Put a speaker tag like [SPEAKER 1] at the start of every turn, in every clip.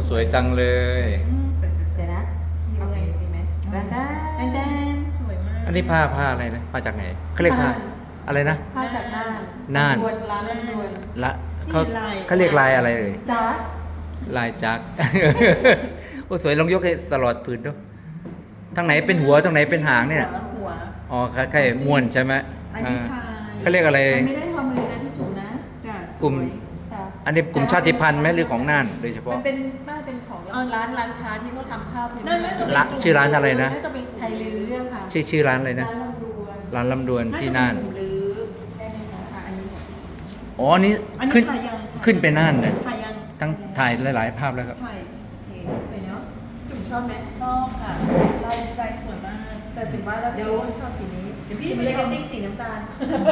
[SPEAKER 1] สวยจังเลย
[SPEAKER 2] สวยๆ
[SPEAKER 3] เดี๋ยวนะ
[SPEAKER 2] เอาไง
[SPEAKER 3] ดีไหม
[SPEAKER 2] แดนแดนสวยมาก
[SPEAKER 1] อันนี้ผ้าอะไรนะมาจากไหนเขาเรียกผ้าอะไรนะ
[SPEAKER 3] ผ้าจากน่าน
[SPEAKER 1] น่าน
[SPEAKER 3] ลำดวนร้านลำดวน
[SPEAKER 1] ละเขาเรียกลายอะไรเอ่ย
[SPEAKER 3] จ้า
[SPEAKER 1] ลายจัก โอ้สวยลองยกให้ตลอดพื้นดูทางไหนเป็นหัวทางไหนเป็นหางเนี่ย
[SPEAKER 2] หัว
[SPEAKER 1] อ๋อคล้ายๆม้วนใช่ไหม
[SPEAKER 2] อันนี้ชาย
[SPEAKER 1] เขาเรียกอะไร
[SPEAKER 3] มันไม่ได้ทำเลยนะพี่จุ๋มนะ
[SPEAKER 2] จ้ะ
[SPEAKER 1] กลุ่ม
[SPEAKER 2] สวย
[SPEAKER 3] ค่ะ
[SPEAKER 1] อันนี้กลุ่มชาติพันธุ์ไหมหรือของน่านโดยเฉพาะ
[SPEAKER 3] มันเป็นของร้านค้าที่เขาทำผ้าพื้น
[SPEAKER 2] น่าจะเป็น
[SPEAKER 1] ละชื่อร้านอะไรนะ
[SPEAKER 3] น่าจะเป็นไทยลือเรื่องค่ะ
[SPEAKER 1] ชื่อร้านอะไรนะ
[SPEAKER 3] ร้านลำดวน
[SPEAKER 1] ร้านลำดวนที่น่าน
[SPEAKER 2] หรือ
[SPEAKER 3] ใช่ไหมคะ
[SPEAKER 2] อันนี้
[SPEAKER 1] อ๋ออันนี้
[SPEAKER 2] อันนี้
[SPEAKER 1] ขึ้น
[SPEAKER 2] ถ่ายยัง
[SPEAKER 1] ขึ้นไปน่านเลย
[SPEAKER 2] ถ่ายยัง
[SPEAKER 1] ตั้งถ่ายหลายๆภาพแล้วครับ
[SPEAKER 2] ถ่ายโอเค
[SPEAKER 3] สวยเนาะจุ๋มชอบไหม
[SPEAKER 2] ชอบค่ะลายสวยมาก
[SPEAKER 3] แต่จุ๋มว่าแล้ว
[SPEAKER 2] เดี๋ยว
[SPEAKER 3] ชอบสีนี้
[SPEAKER 2] เดี๋ยวพี่
[SPEAKER 3] จุ๋มเลยกระจิ้งสีน้ำตาล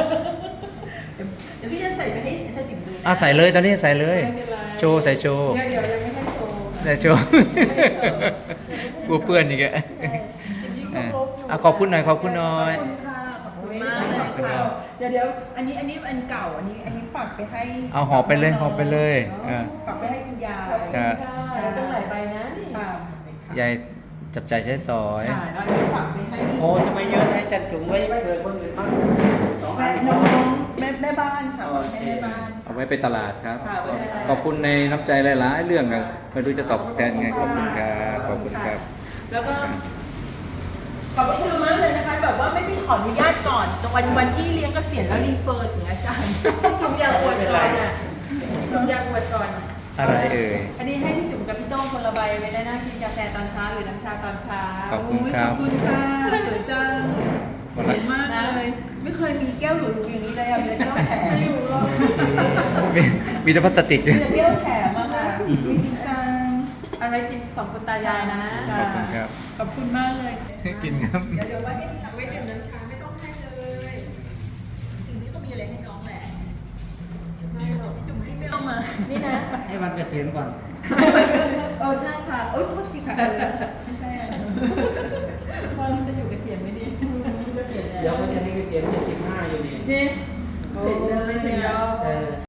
[SPEAKER 2] เดี๋ยวพี่จะใส่ไปให้อาจารย์จิ๋มดูนะ
[SPEAKER 1] ใส่เลยตอนนี้ใส่เลย
[SPEAKER 3] ไม่เป็นไร
[SPEAKER 1] โชว์ใส่โชว์
[SPEAKER 3] เดี๋ยวยังไม่ให้โชว์
[SPEAKER 1] ใส่โชว์ กลัวเปื้อนอีกอะ ขอบคุณหน่อยขอบคุณหน่อย
[SPEAKER 2] ขอบคุณค่ะขอบคุณมากเลยค่ะเดี๋ยวอันนี้อันเก่าอันนี้ฝากไปให้
[SPEAKER 1] เอาหอบไปเลยหอบไปเลยอ่า
[SPEAKER 2] ฝากไปให้คุณยาย
[SPEAKER 1] ครับ
[SPEAKER 3] ต้องหลายใบนะนี่
[SPEAKER 2] ค่ะ
[SPEAKER 1] ยายจับใจายใช้สอย
[SPEAKER 2] ค่ะแล้วอันนี้ฝากไปให้
[SPEAKER 4] โอ้จะไม่เยอะให้จัดจุ๋มไว้เผื่อคนอื่นบ้างสองอั
[SPEAKER 2] แม่
[SPEAKER 4] น
[SPEAKER 2] น้องแม่บ้านค่ะฝากให้แม่บ้าน
[SPEAKER 1] เอาไว้ไปตลาดครับ
[SPEAKER 2] ค่ะไว้ไปตลาด
[SPEAKER 1] ขอบคุณในน้ำใจหลายๆเรื่องนะไม่รู้จะตอบแทนไงขอบคุณครับขอบคุณครับ
[SPEAKER 2] แล้วก็ขอบคุณมากเลยนะคะแบบว่าไม่ได้ขออนุญาตก่อนแต่วันที่เลี้ยงเกษียณแล้วรีเฟอร์ถึงอาจารย์
[SPEAKER 3] จุ๋มอยากอวดก่อนอ่ะจุ๋มอยากอวดก่อน
[SPEAKER 1] อะไรเอ่ย
[SPEAKER 3] อันนี้ให้พี่จุ๋มกับพี่โต้งคนละใบไว้แล้วนะกินกาแฟตอนเช้าหรือน้ำชาตอนเช้า
[SPEAKER 1] ขอบคุณครับ
[SPEAKER 2] ขอบคุณค่ะสวยจังสวยมากเลย ไม่เคยมีแก้วหรูๆอย่างนี้เลยอ่ะมีแต่แก้วแถม
[SPEAKER 3] ไม่รู้หรอก
[SPEAKER 1] มีแต่พลาสติก
[SPEAKER 2] มีแต่แก้วแถมอะค่ะดีจัง
[SPEAKER 3] เอาไว้กินสองคนตายายนะ
[SPEAKER 1] ขอบคุณครับ
[SPEAKER 2] ขอบคุณมากเลย
[SPEAKER 1] กินครับ
[SPEAKER 2] เดี๋ยวไว้ให้หลังไว้ดื่มน้ำชาไม่ต้องให้เลยจริงๆนี่ก็มีอะไรให้น้องแหละไม่หรอกพี่จุ๋มให้ไม่เอามา
[SPEAKER 3] นี่นะ
[SPEAKER 4] ให้วันเกษียณก่อน
[SPEAKER 2] ใช่ค่ะโอ๊ยโทษทีค่ะไม่ใช่อะ
[SPEAKER 3] ว่าเราจะอยู่เกษียณไม่ดี
[SPEAKER 4] เดี๋ยวมันจะให้เกษียณ75อยู่นี่
[SPEAKER 3] นี่โอ้ไม่ถึงเรา
[SPEAKER 4] เออ